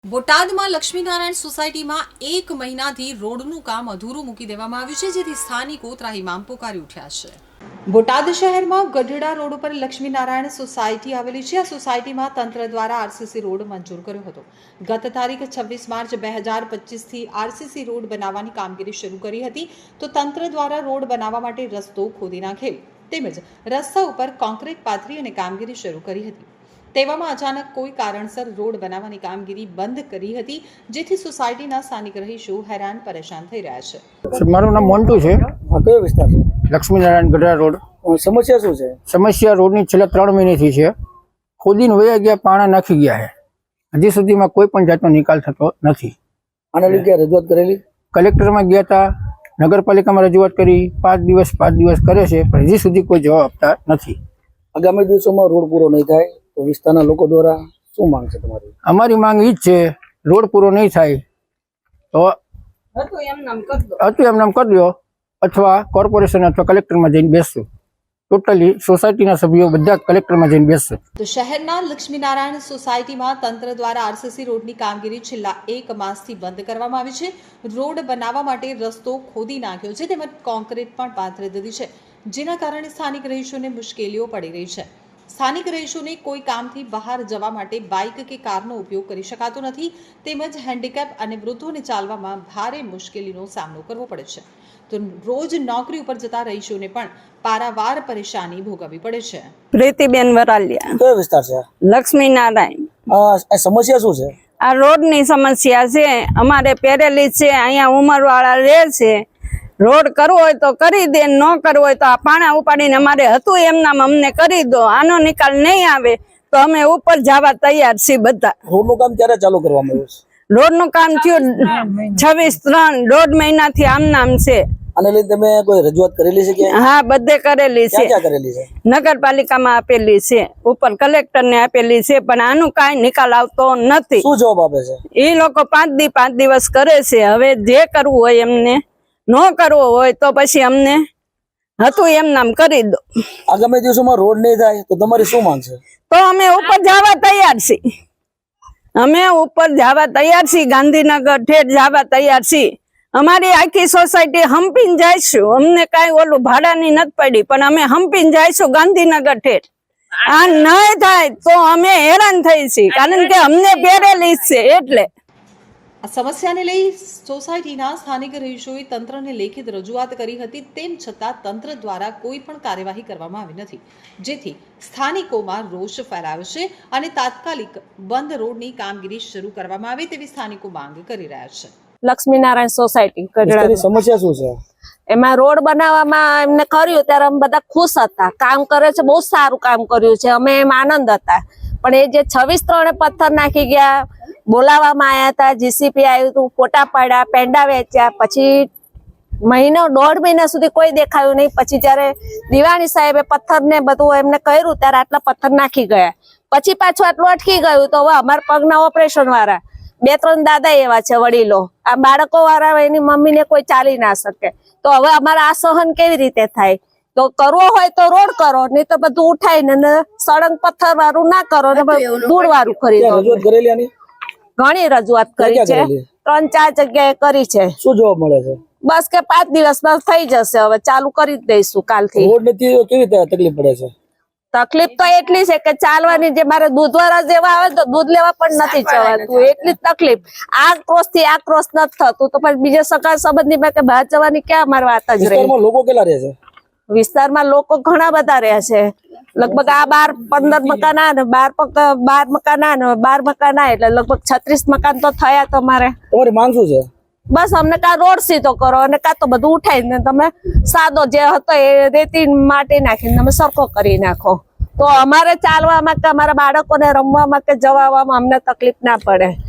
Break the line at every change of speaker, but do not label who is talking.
બોટાદમાં લક્ષ્મીનારાયણ સોસાયટીમાં 1 મહિનાથી રોડનું કામ અધૂરું મૂકી દેવામાં આવ્યું છે, જેથી સ્થાનિકો ત્રાહિમામ પોકારી ઉઠ્યા છે। બોટાદ શહેરમાં ગઢડા રોડ ઉપર લક્ષ્મીનારાયણ સોસાયટી આવેલી છે। આ સોસાયટીમાં તંત્ર દ્વારા આરસીસી રોડ મંજૂર કર્યો હતો। ગત તારીખ 26 માર્ચ 2025થી આરસીસી રોડ બનાવવાની કામગીરી શરૂ કરી હતી, તો તંત્ર દ્વારા રોડ બનાવવા માટે રસ્તો ખોદી નાખેલ તેમજ રસ્તા ઉપર કોન્ક્રીટ પાથરી અને કામગીરી શરૂ કરી હતી। તેવામાં અચાનક કોઈ કારણસર રોડ બનાવવાની કામગીરી બંધ કરી હતી, જેથી સોસાયટીના સ્થાનિક રહીશો હેરાન પરેશાન થઈ રહ્યા છે।
મારું નામ મોન્ટુ છે।
કયો વિસ્તાર છે?
લક્ષ્મીનારાયણ ગઢડા રોડ।
સમસ્યા શું છે?
સમસ્યા રોડની છેલ્લા 3 મહિનાથી છે। ખોદીને વયા ગયા, પાણા નાખી ગયા છે, હજી સુધીમાં કોઈ પણ જાતનો નિકાલ થતો નથી।
આના લીધે રજૂઆત કરેલી?
કલેક્ટરમાં ગયા હતા, નગરપાલિકામાં રજૂઆત કરી, 5 દિવસ કરે છે, પણ હજી સુધી કોઈ જવાબ આપતા નથી।
આગામી દિવસોમાં રોડ પૂરો નહીં થાય તો વિસ્તારના લોકો દ્વારા શું માંગ છે તમારી?
અમારી માંગ એ જ છે, રોડ પૂરો નહીં થાય તો હતું એમ નામ કરી દો, અથવા કોર્પોરેશન અથવા કલેક્ટરમાં જઈને બેસશું। ટોટલી સોસાયટીના સભ્યો બધા કલેક્ટરમાં જઈને બેસશે।
તો શહેરના લક્ષ્મીનારાયણ સોસાયટીમાં તંત્ર દ્વારા આરસીસી રોડની કામગીરી છેલ્લા 1 માસથી બંધ કરવામાં આવી છે। રોડ બનાવવા માટે રસ્તો ખોદી નાખ્યો છે, તેમજ કોન્ક્રીટ પણ પાથરી દીધી છે, જેના કારણે સ્થાનિક રહીશોને મુશ્કેલીઓ પડી રહી છે। સ્થાનિક રહીશોને કોઈ કામથી બહાર જવા માટે બાઇક કે કારનો ઉપયોગ કરી શકાતો નથી, તેમજ હેન્ડીકેપ અને વૃદ્ધોને ચાલવામાં ભારે મુશ્કેલીનો સામનો કરવો પડે છે। તો રોજ નોકરી ઉપર જતા રહીશોને પણ પારાવાર પરેશાની ભોગવવી પડે છે।
પ્રીતિબેન વરાલિયા,
કયો વિસ્તાર છે?
લક્ષ્મીનારાયણ।
આ સમસ્યા શું છે?
આ રોડની સમસ્યા છે, અમારે પેરેલી છે, અહીંયા ઉંમરવાળા રહે છે। રોડ કરવો હોય તો કરી દે, ન કરવો હોય તો આ પાણા ઉપાડીને અમારે હતું એમનામ અમને કરી દો। આનો નિકાલ નહીં આવે તો અમે ઉપર જવા તૈયાર છીએ બધા।
રોડનું કામ ક્યારે ચાલુ કરવામાં આવ્યું છે?
રોડનું કામ થયું 26/3, 1.5 મહિનાથી આમનામ છે।
આને લઈને તમે કોઈ રજૂઆત કરેલી છે કે?
હા, બધે કરેલી છે,
ક્યાં કરેલી છે?
નગરપાલિકામાં આપેલી છે, ઉપર કલેક્ટરને આપેલી છે, પણ આનું કાંઈ નિકાલ આવતો નથી।
શું જવાબ આપે છે?
એ લોકો 5 દિવસ કરે છે। હવે જે કરવું હોય એમને, ન કરવો હોય તો પછી અમને હતું એમ નામ કરી દો।
આગામી દિવસોમાં રોડ નહીં થાય તો તમારી શું માંગ છે?
તો અમે ઉપર જવા તૈયાર છીએ, અમે ઉપર જવા તૈયાર છીએ, ગાંધીનગર ઠેઠ જવા તૈયાર છીએ। અમારી આખી સોસાયટી હંપીને જઈશું, અમને કાંઈ ઓલું ભાડાની નથી પડી, પણ અમે હંપીને જઈશું ગાંધીનગર ઠેઠ। આ નહીં થાય તો અમે હેરાન થઈ છીએ, કારણ કે અમને પહેરેલી છે એટલે।
આ સમસ્યાને લઈ સોસાયટીના સ્થાનિક રહીશોએ તંત્રને લેખિત રજૂઆત કરી હતી, તેમ છતાં તંત્ર દ્વારા કોઈ પણ કાર્યવાહી કરવામાં આવી નથી, જેથી સ્થાનિકોમાં રોષ ફેલાયો છે અને તાત્કાલિક બંધ રોડની કામગીરી શરૂ કરવામાં આવે તેવી સ્થાનિકો માંગ કરી રહ્યા છે।
લક્ષ્મીનારાયણ સોસાયટી
વિસ્તારની સમસ્યા શું છે?
એમાં રોડ બનાવવામાં એમને કર્યું ત્યારે અમે બધા ખુશ હતા, કામ કરે છે, બહુ સારું કામ કર્યું છે, અમે એમ આનંદ હતા। પણ એ જે 26/3 પથ્થર નાખી ગયા, બોલાવવામાં આવ્યા હતા, જીસીપી આવ્યું હતું, ફોટા પાડ્યા, પેંડા વેચ્યા, પછી 1.5 મહિના સુધી કોઈ દેખાયું નહીં। પછી જયારે દિવાણી સાહેબે પથ્થર ને બધું એમને કર્યું ત્યારે આટલા પથ્થર નાખી ગયા, પછી પાછું આટલું અટકી ગયું। તો હવે અમારા પગના ઓપરેશન વાળા 2-3 દાદા એવા છે વડીલો, આ બાળકો વાળા એની મમ્મીને કોઈ ચાલી ના શકે, તો હવે અમારે આ સહન કેવી રીતે થાય? તો કરવો હોય તો રોડ કરો, નહીં તો બધું ઉઠાઈને સળંગ પથ્થર વાળું ના કરો, ધૂળ વાળું ખરીદો।
રજૂઆત કરેલી આની?
ઘણી રજૂઆત કરી છે, 3-4 જગ્યાએ કરી છે।
શું જવાબ મળે છે?
બસ કે 5 દિવસમાં થઈ જશે, હવે ચાલુ કરી જ દઈશું કાલથી।
રોડ નથી તો કેવી રીતે તકલીફ પડે છે?
તકલીફ તો એટલી છે કે ચાલવાની, જે મારે દૂધવાળા જેવા આવે તો દૂધ લેવા પણ નથી જવાતું, એટલી જ તકલીફ। આ ક્રોસ થી આ ક્રોસ નથી થતું, તો પછી બીજા સગા સંબંધીમાં કે બહાર જવાની ક્યાં અમારી વાત જ રહી।
વિસ્તારમાં લોકો કેટલા રહે છે?
વિસ્તારમાં લોકો ઘણા બધા રહે છે, લગભગ આ 12-15 મકાન આ ને 12 મકાન આ ને 12 મકાન આ, એટલે લગભગ 36 મકાન તો થયા તમારે।
તમારી માંગ શું છે?
બસ અમને કાં રોડ સીધો કરો અને કાં તો બધું ઉઠાઈને તમે સાદો જે હતો એ રેતી માટી નાખીને તમે સરખો કરી નાખો, તો અમારે ચાલવામાં કે અમારા બાળકોને રમવામાં કે જવામાં અમને તકલીફ ના પડે।